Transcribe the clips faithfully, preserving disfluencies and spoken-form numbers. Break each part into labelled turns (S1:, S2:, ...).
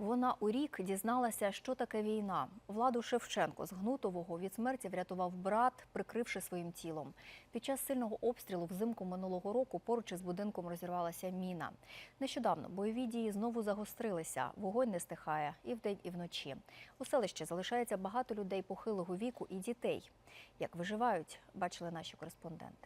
S1: Вона у рік дізналася, що таке війна. Владу Шевченко з Гнутового від смерті врятував брат, прикривши своїм тілом. Під час сильного обстрілу взимку минулого року поруч із будинком розірвалася міна. Нещодавно бойові дії знову загострилися. Вогонь не стихає і вдень, і вночі. У селищі залишається багато людей похилого віку і дітей. Як виживають, бачили наші кореспонденти.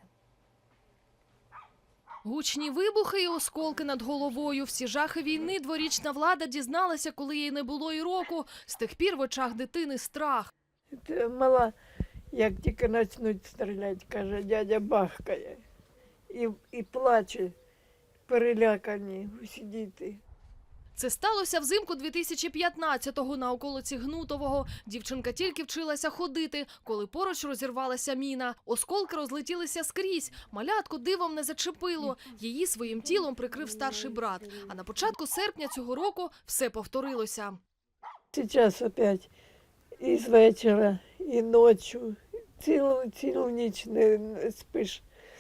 S2: Гучні вибухи і осколки над головою. Всі жахи війни дворічна Влада дізналася, коли їй не було і року. З тих пір в очах дитини страх.
S3: Мала, як тільки почнуть стріляти, каже, дядя бахкає. І, і плаче, перелякані усі діти.
S2: Це сталося взимку дві тисячі п'ятнадцятого на околиці Гнутового. Дівчинка тільки вчилася ходити, коли поруч розірвалася міна. Осколки розлетілися скрізь. Малятку дивом не зачепило. Її своїм тілом прикрив старший брат. А на початку серпня цього року все повторилося.
S3: Зараз опять і з вечора, і ночі, цілу, цілу ніч не спиш.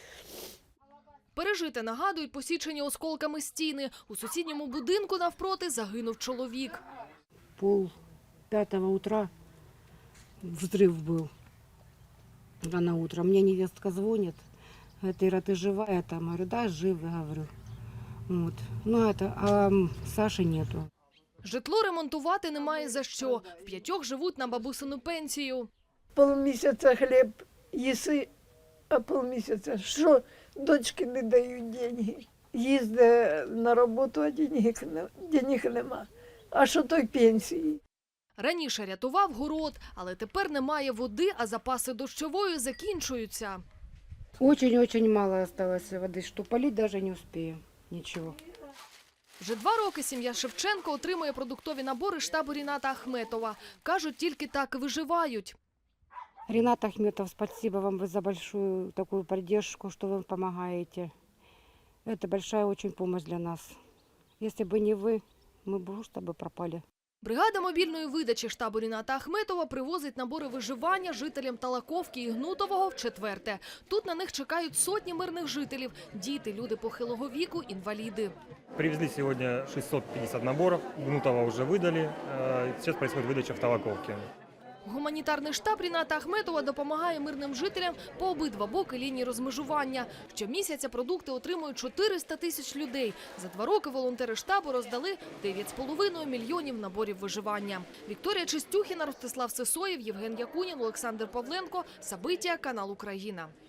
S2: Пережите нагадують посічені осколками стіни. У сусідньому будинку навпроти загинув чоловік.
S4: Пол пятого утра взрыв был рано утром. Мне невестка звонит, говорит, Ира, ты жива? Я там говорю, да, жив, я говорю. Вот. Ну это, а Саши нету.
S2: Житло ремонтувати немає за що. В п'ятьох живуть на бабусину пенсію.
S3: Полмісяця хліб їси, а полмісяця що? Дочки не дають деньги. Їздить на роботу, а денег, денег нема. А що той пенсії?
S2: Раніше рятував город, але тепер немає води, а запаси дощової закінчуються.
S4: Очень-очень мало осталось воды, что полить даже не успею. Ничего.
S2: Вже два роки сім'я Шевченко отримує продуктові набори штабу Ріната Ахметова. Кажуть, тільки так і виживають.
S4: Ренат Ахметов, спасибо вам за большую такую поддержку, что вы помогаете. Это большая очень помощь для нас. Если бы не вы, мы бы просто бы пропали.
S2: Бригада мобільної видачі штабу Ріната Ахметова привозить набори виживання жителям Талаковки і Гнутового вчетверте. Тут на них чекають сотні мирних жителів – діти, люди похилого віку, інваліди.
S5: Привезли сегодня шестьсот пятьдесят наборов, Гнутова уже выдали, сейчас происходит выдача в Талаковке.
S2: Гуманітарний штаб Ріната Ахметова допомагає мирним жителям по обидва боки лінії розмежування. Щомісяця продукти отримують чотириста тисяч людей. За два роки волонтери штабу роздали дев'ять з половиною мільйонів наборів виживання. Вікторія Чистюхіна, Ростислав Сисоєв, Євген Якунін, Олександр Павленко. Сабиття, канал Україна.